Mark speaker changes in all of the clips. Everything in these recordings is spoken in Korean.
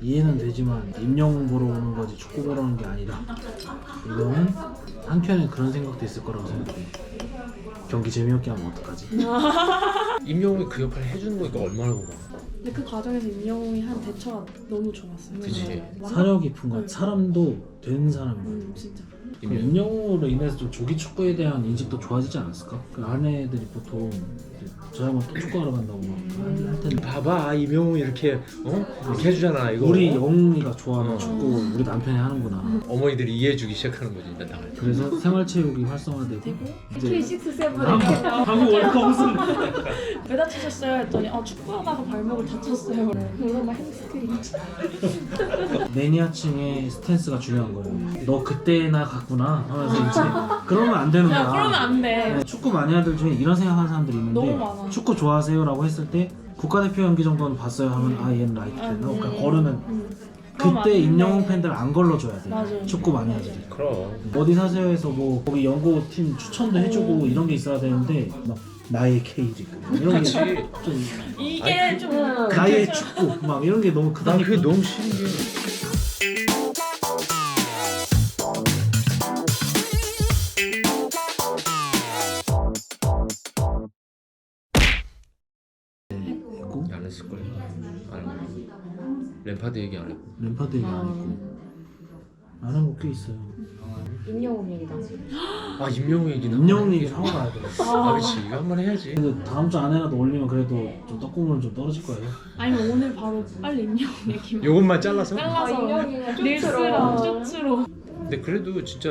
Speaker 1: 이해는 되지만 임영웅 보러 오는 거지 축구 보러 오는 게 아니라 이거는 한켠에 그런 생각도 있을 거라고 생각해. 경기 재미없게 하면 어떡하지?
Speaker 2: 임영웅이 그 역할을 해주는 거니까 얼마나 고마워.
Speaker 3: 근데 그 과정에서 임영웅이 한 대처가 너무 좋았어요.
Speaker 2: 그치.
Speaker 1: 사려 깊은 것 같아. 사람도 된 사람인 것 같아.
Speaker 3: 진짜.
Speaker 1: 임영웅으로 인해서 좀 조기 축구에 대한 인식도 좋아지지 않았을까? 그 아내들이 보통 저 양반 또 축구하러 간다고 할 텐데
Speaker 2: 봐봐 임영웅 이렇게 이렇게 해주잖아 이거.
Speaker 1: 우리 영웅이가 좋아하는 축구 우리 남편이 하는구나.
Speaker 2: 어머니들이 이해해주기 시작하는 거지 일단 나갈 때.
Speaker 1: 그래서 생활체육이 활성화되고
Speaker 3: K6, 7에
Speaker 1: 한국 월드컵 우승.
Speaker 3: 왜 다치셨어요? 했더니 축구하다가 발목을 다쳤어요. 그러면 막 햄스트링.
Speaker 1: 매니아층의 스탠스가 중요한 거예요. 너 그때나 갔구나 하면서 이제 그러면 안 되는 거야.
Speaker 3: 그러면 안 돼.
Speaker 1: 네, 축구 마니아들 중에 이런 생각하는 사람들이 있는데
Speaker 3: 너무 많아.
Speaker 1: 축구 좋아하세요라고 했을 때 국가대표 경기 정도는 봤어요 하면 얘는 라이트 팬. 그러니까 걸으면
Speaker 3: 그럼 안
Speaker 1: 그때
Speaker 3: 돼.
Speaker 1: 임영웅 팬들 안 걸러줘야 돼.
Speaker 3: 맞아요.
Speaker 1: 축구 마니아들이.
Speaker 2: 그럼.
Speaker 1: 어디 사세요에서 뭐 거기 연고 팀 추천도 해주고 이런 게 있어야 되는데 막 나의 K리그 이런 게 좀
Speaker 3: 이게 좀
Speaker 1: 나의 축구 막 이런 게 너무
Speaker 2: 난
Speaker 1: 크다니까.
Speaker 2: 그게 너무 신기해.
Speaker 1: 했고
Speaker 2: 안 했을 거야. 안 했고. 램파드 얘기 안 했고.
Speaker 1: 램파드 얘기 안 했고 안 한 거 꽤 있어요.
Speaker 4: 임영웅 얘기다.
Speaker 2: 아 임영웅 얘기는.
Speaker 1: 임영웅 얘기를 하고 가야 돼.
Speaker 2: 그렇지 이거 한번 해야지.
Speaker 1: 근데 다음 주 안에라도 올리면 그래도 좀 떡국물 좀 떨어질 거예요.
Speaker 3: 아니면 오늘 바로 빨리 임영웅 얘기만
Speaker 2: 요것만 잘라서.
Speaker 3: 잘라서
Speaker 4: 임영웅이랑
Speaker 3: 릴스랑 쇼츠로.
Speaker 2: 근데 그래도 진짜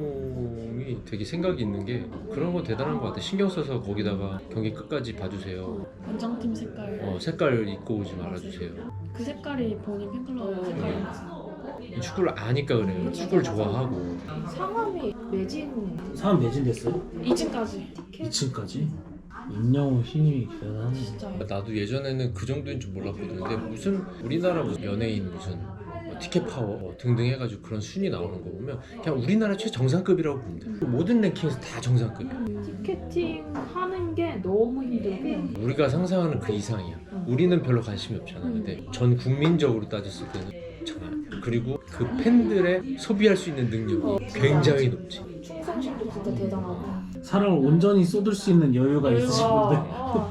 Speaker 2: 임영웅이 되게 생각이 있는 게 그런 거 대단한 것 같아. 신경 써서 거기다가 경기 끝까지 봐주세요.
Speaker 3: 원정팀 색깔.
Speaker 2: 색깔 입고 오지 말아주세요.
Speaker 3: 그 색깔이 본인 팬클럽 색깔이었어.
Speaker 2: 이 축구를 아니까 그래요. 축구를 좋아하고.
Speaker 4: 상암이 매진
Speaker 1: 사람 매진됐어요?
Speaker 3: 2층까지.
Speaker 1: 2층까지? 임영웅 힘이 대단하네.
Speaker 3: 진짜.
Speaker 2: 나도 예전에는 그 정도인 줄 몰랐거든. 근데 무슨 우리나라 무슨 연예인 무슨 티켓 파워 등등 해가지고 그런 순위 나오는 거 보면 그냥 우리나라 최정상급이라고 보면 돼. 모든 랭킹에서 다 정상급이야.
Speaker 4: 티켓팅 하는 게 너무 힘들고
Speaker 2: 우리가 상상하는 그 이상이야. 우리는 별로 관심이 없잖아. 근데 전 국민적으로 따졌을 때는 장난 아니야. 그리고 그 팬들의 소비할 수 있는 능력이 굉장히 높지.
Speaker 4: 충성심도 진짜 대단하고
Speaker 1: 사람을 온전히 쏟을 수 있는 여유가 있으신 분들.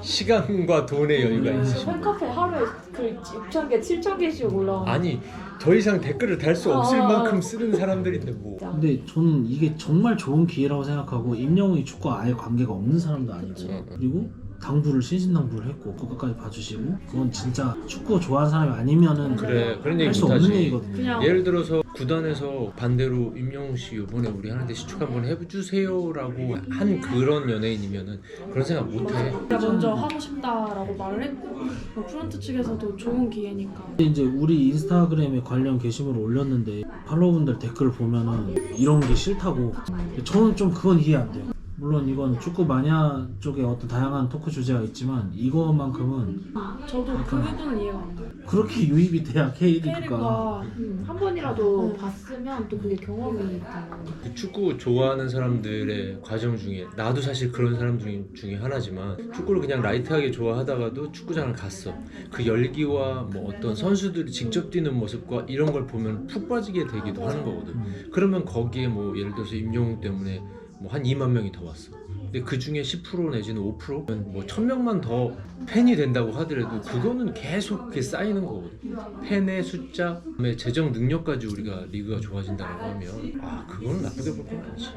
Speaker 2: 시간과 돈의 여유가 있으신 분.
Speaker 4: 팬카페 하루에 그 6,000개, 7,000개씩 올라오는
Speaker 2: 아니 더 이상 댓글을 달 수 없을 만큼 쓰는 사람들인데 뭐.
Speaker 1: 근데 저는 이게 정말 좋은 기회라고 생각하고 임영웅이 축구와 아예 관계가 없는 사람도 아니고 그리고 당부를 신신당부를 했고 국가까지 봐주시고 그건 진짜 축구 좋아하는 사람이 아니면은
Speaker 2: 그래 그런 얘기
Speaker 1: 할 수 없는
Speaker 2: 못하지.
Speaker 1: 얘기거든요.
Speaker 3: 그냥
Speaker 2: 예를 들어서 구단에서 반대로 임영웅 씨 이번에 우리 하는데 시축 한번 해주세요라고 한 그런 연예인이면은 그런 생각 못해.
Speaker 3: 내가 먼저 하고 싶다라고 말을 했고 뭐 프런트 측에서도 좋은 기회니까.
Speaker 1: 근데 이제 우리 인스타그램에 관련 게시물을 올렸는데 팔로워분들 댓글 보면은 이런 게 싫다고. 저는 좀 그건 이해 안 돼요. 물론 이건 축구 마니아 쪽에 어떤 다양한 토크 주제가 있지만 이거만큼은
Speaker 3: 저도 그 부분은 이해가 안 가요.
Speaker 1: 그렇게 유입이 돼야 K리그가
Speaker 3: K리그가
Speaker 4: 한 번이라도 봤으면 또 그게 경험이 있잖아.
Speaker 2: 그 축구 좋아하는 사람들의 과정 중에 나도 사실 그런 사람 중에 하나지만 축구를 그냥 라이트하게 좋아하다가도 축구장을 갔어. 그 열기와 뭐 어떤 선수들이 직접 뛰는 모습과 이런 걸 보면 푹 빠지게 되기도 하는 거거든. 그러면 거기에 뭐 예를 들어서 임영웅 때문에 뭐 한 2만 명이 더 왔어. 근데 그 중에 10% 내지는 5%면 뭐 1,000명만 더 팬이 된다고 하더라도 그거는 계속 그게 쌓이는 거거든. 팬의 숫자, 그다음에 재정 능력까지 우리가 리그가 좋아진다고 하면 그거는 나쁘게 볼 건 아니지.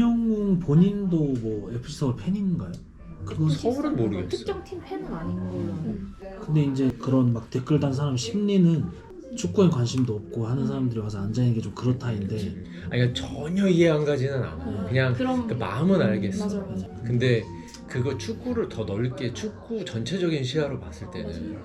Speaker 1: 임영웅 본인도 뭐 FC 서울 팬인가요? 그건
Speaker 2: 서울은 모르겠어.
Speaker 4: 특정 팀 팬은 아닌 걸로.
Speaker 1: 근데 이제 그런 막 댓글 단 사람 심리는 축구에 관심도 없고 하는 사람들이 와서 앉아있는 게 좀 그렇다인데
Speaker 2: 그러니까 전혀 이해 안 가지는 않아. 그냥 그 마음은 알겠어.
Speaker 3: 맞아.
Speaker 2: 근데 그거 축구를 더 넓게 축구 전체적인 시야로 봤을 때는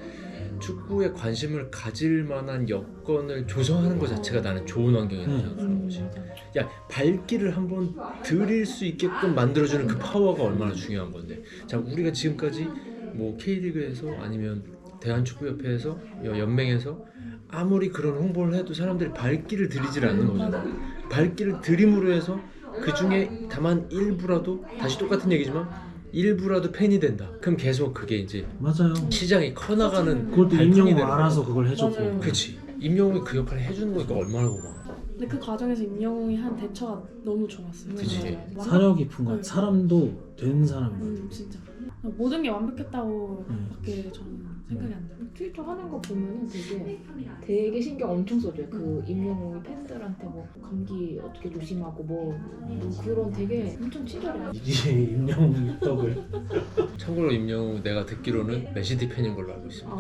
Speaker 2: 축구에 관심을 가질 만한 여건을 조성하는 것 자체가 나는 좋은 환경이라고 생각하는 거지. 야 발길을 한번 들일 수 있게끔 만들어주는 그 파워가 얼마나 중요한 건데. 자 우리가 지금까지 뭐 K리그에서 아니면 대한축구협회에서 연맹에서 아무리 그런 홍보를 해도 사람들이 발길을 들이질 않는 거잖아. 발길을 들임으로 해서 그 중에 다만 일부라도 다시 똑같은 얘기지만 일부라도 팬이 된다. 그럼 계속 그게 이제
Speaker 1: 맞아요.
Speaker 2: 시장이 커나가는
Speaker 1: 그것도
Speaker 2: 발판이
Speaker 1: 임영웅
Speaker 2: 되는
Speaker 1: 알아서
Speaker 2: 거야.
Speaker 1: 그걸 해줬고.
Speaker 3: 맞아요.
Speaker 2: 그치. 임영웅이 그 역할을 해주는 거니까 얼마나 고마워.
Speaker 3: 근데 그 과정에서 임영웅이 한 대처가 너무 좋았어요.
Speaker 2: 그치.
Speaker 1: 사려 깊은 것
Speaker 3: 네.
Speaker 1: 사람도 된 사람인 것 같아요.
Speaker 3: 진짜 모든 게 완벽했다고
Speaker 1: 음.
Speaker 3: 밖에 저는 생각이 안 들어요.
Speaker 4: 트위터 하는 거 보면은 되게 신경 엄청 써줘요. 그 임영웅이 팬들한테 뭐 감기 어떻게 조심하고 뭐 그런 되게 엄청 친절해요.
Speaker 1: 이제 임영웅 입덕을.
Speaker 2: 참고로 임영웅 내가 듣기로는 맨시티 팬인 걸로 알고 있습니다.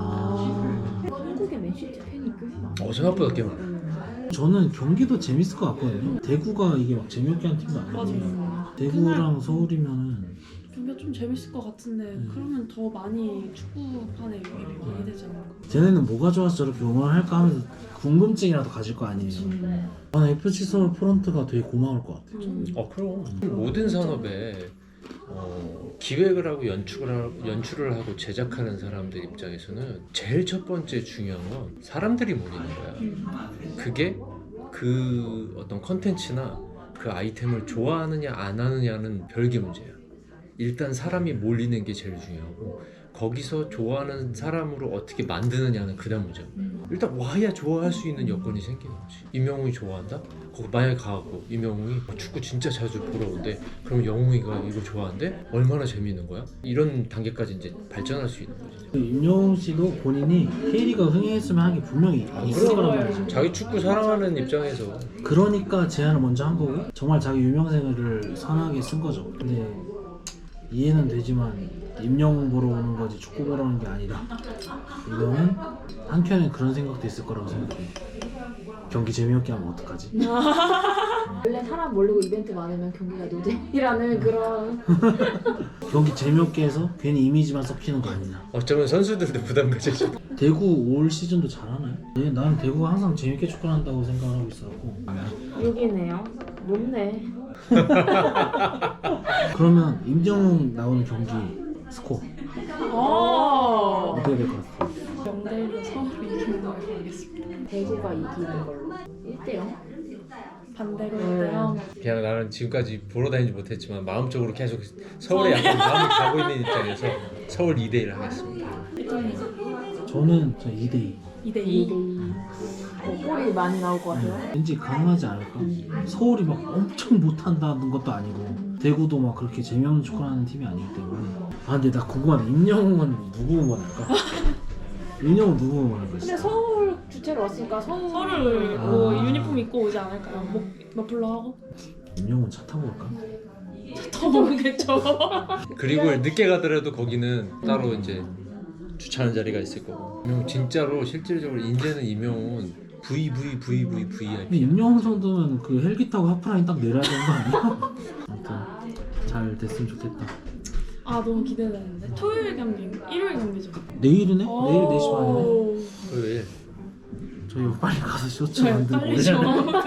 Speaker 4: 한국에 맨시티 팬이 꽤 많아요.
Speaker 2: 생각보다 꽤 많아요.
Speaker 1: 저는 경기도 재밌을 것 같거든요. 대구가 이게 막 재미없게 한 팀도 아니고.
Speaker 3: 맞아요.
Speaker 1: 대구랑 서울이면은
Speaker 3: 경기가 좀 재밌을 것 같은데 그러면 더 많이 축구판에 유입이 많이 되지 않을까?
Speaker 1: 쟤네는 뭐가 좋아서 저렇게 응원할까 하면서 궁금증이라도 가질 거 아니에요. 나는 FC 서울 프런트가 되게 고마울 것 같아요.
Speaker 2: 그럼 모든 산업에 기획을 하고 연출을 하고 제작하는 사람들 입장에서는 제일 첫 번째 중요한 건 사람들이 모이는 거야. 그게 그 어떤 컨텐츠나 그 아이템을 좋아하느냐 안 하느냐는 별개 문제야. 일단 사람이 몰리는 게 제일 중요하고 거기서 좋아하는 사람으로 어떻게 만드느냐는 그 다음 문제고 일단 와야 좋아할 수 있는 여건이 생기는 거지. 임영웅이 좋아한다? 거기 만약에 가고 임영웅이 축구 진짜 자주 보러 온대. 그럼 영웅이가 이거 좋아한대? 얼마나 재미있는 거야? 이런 단계까지 이제 발전할 수 있는 거지.
Speaker 1: 그 임영웅 씨도 본인이 K리가 흥행했으면 하는 게 분명히 있을 거란 말이죠.
Speaker 2: 자기 축구 사랑하는 입장에서
Speaker 1: 그러니까 제안을 먼저 한 거고 정말 자기 유명세를 선하게 쓴 거죠. 근데 이해는 되지만 임영웅 보러 오는 거지 축구 보러 오는 게 아니라 이거는 한켠에 그런 생각도 있을 거라고 생각해요. 경기 재미없게 하면 어떡하지?
Speaker 4: 원래 사람 몰리고 이벤트 많으면 경기가 노잼이라는 그런
Speaker 1: 경기 재미없게 해서 괜히 이미지만 썩히는 거 아니냐.
Speaker 2: 어쩌면 선수들도 부담 가지죠.
Speaker 1: 대구 올 시즌도 잘하나요? 네, 나는 대구가 항상 재밌게 축구를 한다고 생각을 하고 있어갖고.
Speaker 4: 6이네요. 높네.
Speaker 1: 그러면 임영웅 나오는 경기 스코어 어떻게 될 것 같아요?
Speaker 3: 0대1로 서울이 이기는 걸로 가겠습니다.
Speaker 4: 대구가 이기는 걸로. 1대0.
Speaker 3: 반대로 1대0.
Speaker 2: 그냥 나는 지금까지 보러 다니지 못했지만 마음적으로 계속 서울에 약간 마음이 가고 있는 입장에서 서울 2대1 하겠습니다.
Speaker 1: 저는 2대2.
Speaker 3: 2대2.
Speaker 4: 골이 많이 나올 것 같아요.
Speaker 1: 왠지 가능하지 않을까? 서울이 막 엄청 못한다는 것도 아니고 대구도 막 그렇게 재미없는 축구를 하는 팀이 아니기 때문에. 아 근데 나 궁금한데 임영웅은 누구 응원할까? 임영웅 누구 응원할
Speaker 4: 근데
Speaker 1: 거야?
Speaker 4: 서울 주최로 왔으니까
Speaker 3: 서울을 뭐 유니폼 입고 오지 않을까요? 목 머플러 하고?
Speaker 1: 임영웅 차 타고 올까?
Speaker 3: 더 모르겠죠.
Speaker 2: 그리고 늦게 가더라도 거기는 따로 이제 주차하는 자리가 있을 거고. 임영웅 진짜로 실질적으로 이제는 임영웅은
Speaker 1: 근데
Speaker 2: VIP.
Speaker 1: 임영웅 정도면 그 헬기 타고 하프라인 딱 내려야 되는 거 아니야? 아무튼 잘 됐으면 좋겠다.
Speaker 3: 아 너무 기대되는데. 토요일 경기, 일요일 경기죠.
Speaker 1: 내일이네? 내일 4시 반이네.
Speaker 2: 토요일
Speaker 1: 저희 빨리 가서 쇼츠
Speaker 3: 네,
Speaker 1: 만들고
Speaker 3: 빨리 좀.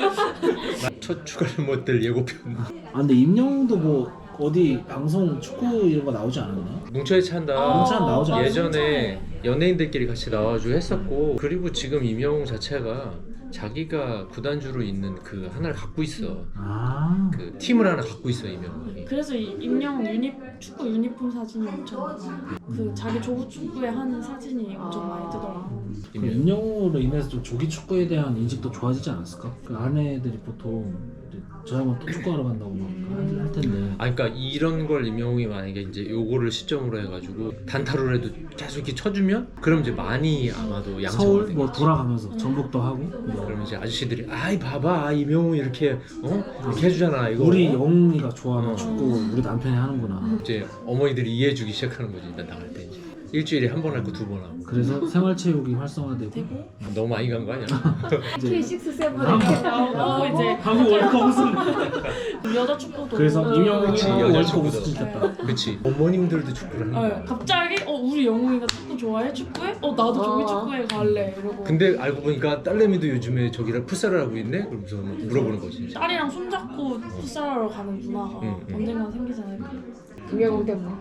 Speaker 2: 첫 추가를 못될 예고편.
Speaker 1: 아 근데 임영웅도 뭐 어디 방송 축구 이런 거 나오지 않았나?
Speaker 2: 뭉쳐야 찬다.
Speaker 1: 뭉쳐야 나오지 않았어?
Speaker 2: 예전에 연예인들끼리 같이 나와주고 했었고 그리고 지금 임영웅 자체가 자기가 구단주로 있는 그 하나를 갖고 있어.
Speaker 1: 아
Speaker 2: 그 팀을 하나 갖고 있어 임영웅이.
Speaker 3: 그래서 임영웅 축구 유니폼 사진이 엄청 많아요. 그 자기 조부 축구에 하는 사진이 엄청 많이 뜨더라고.
Speaker 1: 그 임영웅으로 인해서 좀 조기 축구에 대한 인식도 좋아지지 않았을까? 그 아내들이 보통 이제 저 양반 또 축구하러 간다고 막 할 텐데
Speaker 2: 아 그러니까 이런 걸 임영웅이 만약에 이제 요거를 시점으로 해가지고 단타로라도 계속 이렇게 쳐주면 그럼 이제 많이 아마도 양성을
Speaker 1: 서울
Speaker 2: 된
Speaker 1: 뭐
Speaker 2: 거지.
Speaker 1: 돌아가면서 전북도 하고 뭐
Speaker 2: 그러면 이제 아저씨들이 아이 봐봐 임영웅 이렇게 이렇게 해주잖아 이거.
Speaker 1: 우리 영웅이가 좋아하는
Speaker 2: 어.
Speaker 1: 축구 우리 남편이 하는구나.
Speaker 2: 이제 어머니들이 이해해주기 시작하는 거지 일단 나갈 때 이제 일주일에 한 번 할 거 2번 하고.
Speaker 1: 그래서 생활체육이 활성화되고
Speaker 2: 너무 많이 간 거 아니야?
Speaker 1: 이제
Speaker 4: K6, 7
Speaker 3: 나오고 이제
Speaker 1: 한국 월드컵 우승.
Speaker 3: 여자 축구도.
Speaker 1: 그래서 임영웅이
Speaker 2: 그치,
Speaker 1: 한국
Speaker 2: 여자
Speaker 1: 월드컵
Speaker 2: 축구도.
Speaker 1: 우승 시켰다.
Speaker 2: 그치 어머님들도 축구를 하는 거야.
Speaker 3: 네, 갑자기 우리 영웅이가 축구 좋아해? 축구해? 나도 조기 축구에 갈래 이러고.
Speaker 2: 근데 알고 보니까 딸내미도 요즘에 저기랑 풋살을 하고 있네? 그러면서 막 물어보는 거지.
Speaker 3: 딸이랑 손잡고 풋살하러 가는 문화가
Speaker 2: 응.
Speaker 3: 언젠간 생기지 않을까.
Speaker 4: 김영웅 때문에.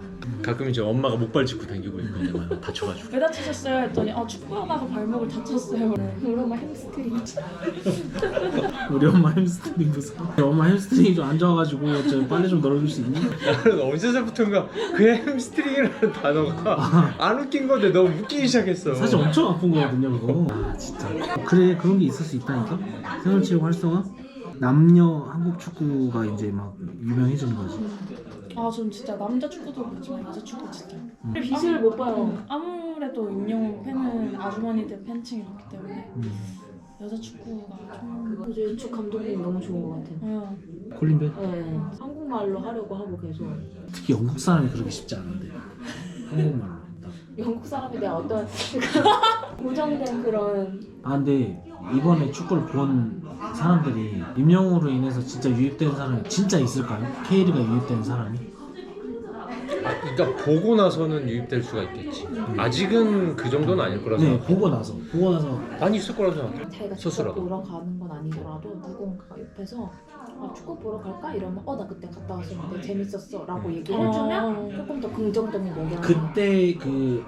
Speaker 2: 가끔 이제 엄마가 목발 짚고 다니고 있거든. 다쳐가지고.
Speaker 3: 왜 다치셨어요? 했더니 축구하다가 발목을 다쳤어요.
Speaker 4: 우리 엄마 햄스트링.
Speaker 1: 우리 엄마 햄스트링 무서워. 우리 엄마 햄스트링이 좀 안 좋아가지고 저 빨리 좀 널어줄 수 있니?
Speaker 2: 나는 언제서부턴가 그 햄스트링이라는 단어가 안 웃긴 건데 너무 웃기기 시작했어.
Speaker 1: 사실 엄청 아픈 거거든요 그거. 아 진짜. 그래 그런 게 있을 수 있다니까. 생활체육 활성화? 남녀 한국 축구가 이제 막 유명해지는 거지.
Speaker 3: 전 진짜 남자 축구도 그렇지만 여자 축구 진짜.
Speaker 4: 빛을 못 봐요.
Speaker 3: 아무래도 임영웅 팬은 아주머니들 팬층이 높기 때문에 여자 축구가 좀.
Speaker 4: 어제 축 감독님 너무 좋은 것 같아요.
Speaker 1: 콜린벨?
Speaker 4: 네, 한국말로 하려고 하고 계속.
Speaker 1: 특히 영국 사람이 그렇게 쉽지 않은데 한국말로.
Speaker 4: 영국 사람에 대한 어떤 고정된 그런.
Speaker 1: 아 근데 이번에 축구를 본 사람들이 임영웅으로 인해서 진짜 유입된 사람이 진짜 있을까요? K리그가 유입된 사람이?
Speaker 2: 그러니까 보고 나서는 유입될 수가 있겠지. 아직은 그 정도는 아닐 거라서.
Speaker 1: 네 보고 나서
Speaker 2: 많이 있을 거라고 생각해.
Speaker 4: 자기가 직접
Speaker 2: 스스로.
Speaker 4: 보러 가는 건 아니더라도 누군가가 옆에서 축구 보러 갈까? 이러면 나 그때 갔다 왔었는데 재밌었어 라고 얘기를 해주면 조금 더 긍정적인 영향을.
Speaker 1: 그때 그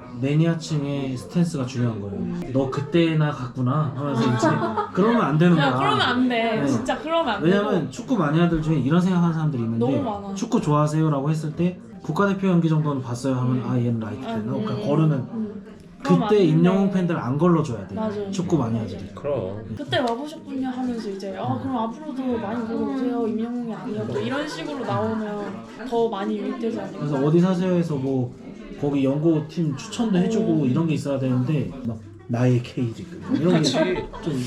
Speaker 1: 매니아층의 스탠스가 중요한 거예요. 너 그때나 갔구나 하면서 이제 그러면 안 되는 거야.
Speaker 3: 그러면 안 돼.
Speaker 1: 네.
Speaker 3: 진짜 그러면 안 돼.
Speaker 1: 왜냐면 축구 마니아들 중에 이런 생각하는 사람들이 있는데
Speaker 3: 너무 많아.
Speaker 1: 축구 좋아하세요라고 했을 때 국가대표 경기 정도는 봤어요 하면 얘는 라이트 팬 그러니까 거르는.
Speaker 3: 그럼 안
Speaker 1: 그때
Speaker 3: 돼.
Speaker 1: 임영웅 팬들 안 걸러줘야 돼.
Speaker 3: 맞아요.
Speaker 1: 축구 마니아들이.
Speaker 2: 그럼.
Speaker 3: 그때 와보셨군요 하면서 이제 그럼 앞으로도 많이 보러 오세요. 임영웅이 아니어도 이런 식으로 나오면 더 많이 유입되지 않을까.
Speaker 1: 그래서 어디 사세요에서 뭐 거기 연고 팀 추천도 해주고 이런 게 있어야 되는데 막 나의 K리그 이런 게 좀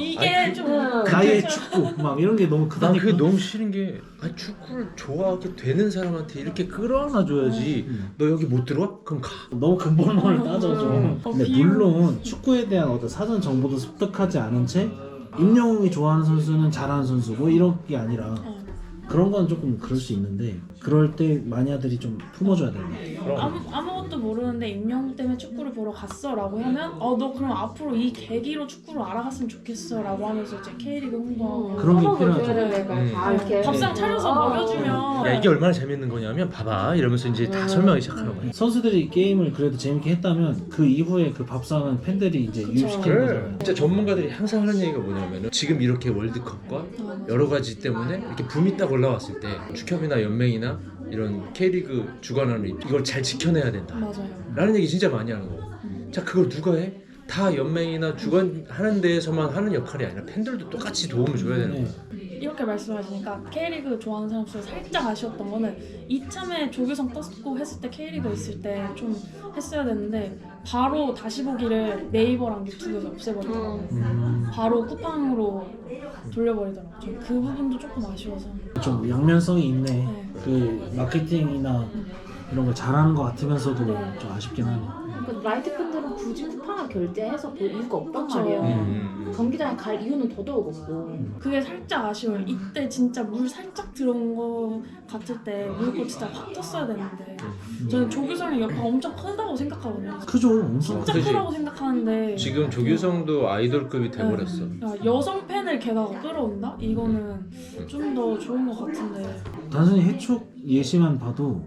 Speaker 3: 이게 좀
Speaker 1: 나의 축구 막 이런 게 너무
Speaker 2: 난
Speaker 1: 크다니까.
Speaker 2: 그게 너무 싫은 게 축구를 좋아하게 되는 사람한테 이렇게 끌어안아줘야지. 너 여기 못 들어와? 그럼 가.
Speaker 1: 너무 근본론을 따져줘. 근데
Speaker 3: 비유.
Speaker 1: 물론 축구에 대한 어떤 사전 정보도 습득하지 않은 채 임영웅이 좋아하는 선수는 잘하는 선수고 이런 게 아니라 그런 건 조금 그럴 수 있는데 그럴 때 마니아들이 좀 품어줘야 되는 것 같아요.
Speaker 3: 아무것도 모르는데 임영웅 때문에 축구를 보러 갔어 라고 하면 너 그럼 앞으로 이 계기로 축구를 알아갔으면 좋겠어 라고 하면서 이제 K리그 홍보하고
Speaker 1: 그런 게 필요하죠.
Speaker 4: 다 이렇게
Speaker 3: 밥상 차려서 먹여주면
Speaker 2: 야 이게 얼마나 재밌는 거냐면 봐봐 이러면서 이제 다 설명하기 시작하는 거야.
Speaker 1: 선수들이 게임을 그래도 재밌게 했다면 그 이후에 그 밥상은 팬들이 이제 유입시키는
Speaker 2: 그래.
Speaker 1: 거잖아요.
Speaker 2: 진짜 전문가들이 항상 하는 얘기가 뭐냐면은 지금 이렇게 월드컵과 여러 가지 때문에 이렇게 붐이 딱 올라왔을 때 축협이나 연맹이나 이런 K리그 주관하는 이걸 잘 지켜내야 된다
Speaker 3: 맞아요.
Speaker 2: 라는 얘기 진짜 많이 하는 거고. 자 그걸 누가 해? 다 연맹이나 주관하는 데에서만 하는 역할이 아니라 팬들도 똑같이 도움을 줘야 되는 거야.
Speaker 3: 이렇게 말씀하시니까 K리그 좋아하는 사람 중에 살짝 아쉬웠던 거는 이참에 조규성 떴고 했을 때 K리그 있을 때 좀 했어야 되는데 바로 다시 보기를 네이버랑 유튜브에서 없애버리더라고요. 바로 쿠팡으로 돌려버리더라고요. 전 그 부분도 조금 아쉬워서.
Speaker 1: 좀 양면성이 있네.
Speaker 3: 네.
Speaker 1: 그 마케팅이나 이런 걸 잘하는 것 같으면서도 좀 아쉽긴 하네.
Speaker 4: 그 라이트 팬들은 굳이 쿠팡을 결제해서 볼 이유가 없단
Speaker 3: 그쵸.
Speaker 4: 말이에요. 경기장에 갈 이유는 더더욱 없고.
Speaker 3: 그게 살짝 아쉬워요. 이때 진짜 물 살짝 들어온 거 같을 때 물고 진짜 확 떴어야 되는데 저는 조규성의 여파가 엄청 크다고 생각하거든요.
Speaker 1: 크죠, 엄청.
Speaker 3: 진짜
Speaker 2: 그지.
Speaker 3: 크다고 생각하는데
Speaker 2: 지금 조규성도 아이돌급이 돼버렸어.
Speaker 3: 여성 팬을 게다가 끌어온다? 이거는 좀 더 좋은 것 같은데.
Speaker 1: 단순히 해촉 예시만 봐도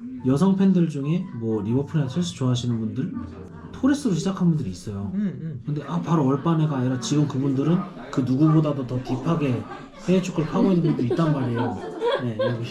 Speaker 1: 여성 팬들 중에 뭐 리버풀이나 첼시 좋아하시는 분들 토레스로 시작한 분들이 있어요. 근데 바로 얼빠네가 아니라 지금 그분들은 그 누구보다도 더 딥하게 해외 축구를 파고 있는 분들이 있단 말이에요. 네, 여기.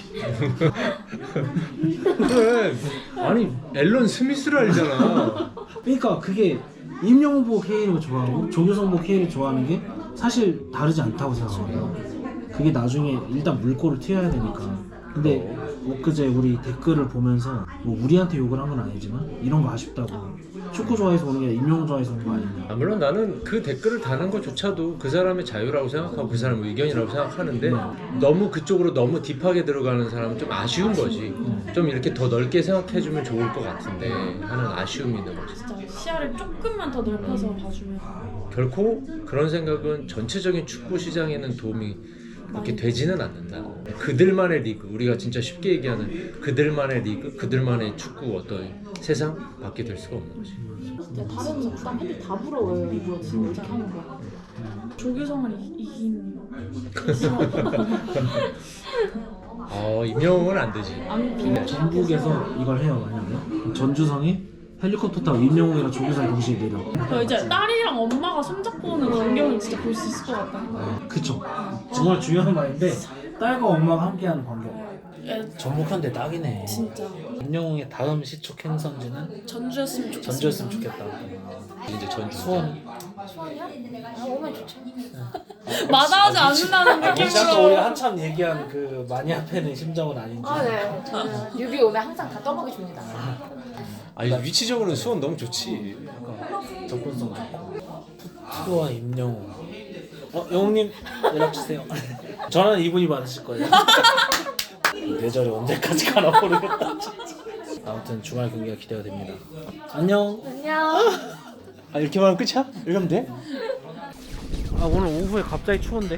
Speaker 2: 그래. 아니 앨런 스미스를 알잖아.
Speaker 1: 그러니까 그게 임영웅 보고 K리그 좋아하고 조규성 보고 K리그 좋아하는 게 사실 다르지 않다고 생각해요. 그게 나중에 일단 물꼬를 튀어야 되니까. 근데 엊그제 우리 댓글을 보면서 뭐 우리한테 욕을 한 건 아니지만 이런 거 아쉽다고. 축구 좋아해서 오는 게 임영웅 좋아해서 오는 거 아니냐.
Speaker 2: 물론 나는 그 댓글을 다는 것조차도 그 사람의 자유라고 생각하고 그 사람의 의견이라고 생각하는데 너무 그쪽으로 너무 딥하게 들어가는 사람은 좀 아쉬운 거지. 좀 이렇게 더 넓게 생각해주면 좋을 것 같은데 하는 아쉬움이 있는 거지.
Speaker 3: 진짜 시야를 조금만 더 넓혀서 봐주면.
Speaker 2: 결코 그런 생각은 전체적인 축구 시장에는 도움이 그렇게 되지는 않는다. 그들만의 리그, 우리가 진짜 쉽게 얘기하는 그들만의 리그, 그들만의 축구 어떤 세상 밖에 될 수가 없는 거지.
Speaker 4: 진짜 다른 구단 팬들 다 부러워요. 이거 지금 어떻게 하는 거야?
Speaker 3: 조규성을 이긴
Speaker 2: 임영웅은 안 되지.
Speaker 3: 안 비밀.
Speaker 1: 전북에서 이걸 해요 만약에 전주성이 헬리콥터 타고 임영웅이랑 조규성이 동시에 내려.
Speaker 3: 이제 딸이랑 엄마가 손잡고 오는 광경을 진짜 볼 수 있을 것 같아요.
Speaker 1: 그쵸. 정말 중요한 말인데 딸과 엄마가 함께하는 광경. 전북현대 딱이네.
Speaker 3: 진짜
Speaker 1: 임영웅의 다음 시축 행선지는
Speaker 3: 전주였으면 좋겠어.
Speaker 1: 전주였으면 좋겠다.
Speaker 2: 이제 전주.
Speaker 1: 수원.
Speaker 4: 수원이야? 아 오면 좋죠.
Speaker 3: 마다하지 않는다는
Speaker 1: 진짜 우리
Speaker 3: 느낌으로.
Speaker 1: 한참 얘기한 그 많이 앞에는 심정은 아닌지.
Speaker 4: 아 네. 저는 뉴비 오면 항상 다 떠먹여 줍니다.
Speaker 2: 아니 위치적으로는 수원 너무 좋지.
Speaker 1: 약간 접근성 좋고. 푸드와 임영웅. 영웅님 연락 주세요. 전화는 이분이 받으실 거예요. 뇌절이 언제까지 가나 모르겠다. 아무튼 주말 경기가 기대가 됩니다. 안녕.
Speaker 4: 안녕.
Speaker 2: 이렇게 말하면 끝이야? 이렇게 하면 돼?
Speaker 1: 오늘 오후에 갑자기 추운데.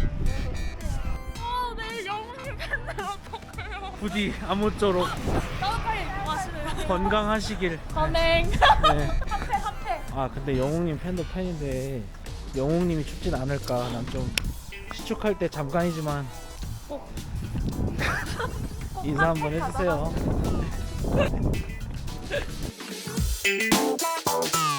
Speaker 3: 내일 영웅님 팬들 어떡해요?
Speaker 1: 부디 아무쪼록
Speaker 3: 따뜻하게 마시네요.
Speaker 1: 건강하시길.
Speaker 3: 선행.
Speaker 1: 네.
Speaker 3: 핫해.
Speaker 1: 근데 영웅님 팬도 팬인데 영웅님이 춥진 않을까. 난 좀 시축할 때 잠깐이지만 인사 한번 해주세요.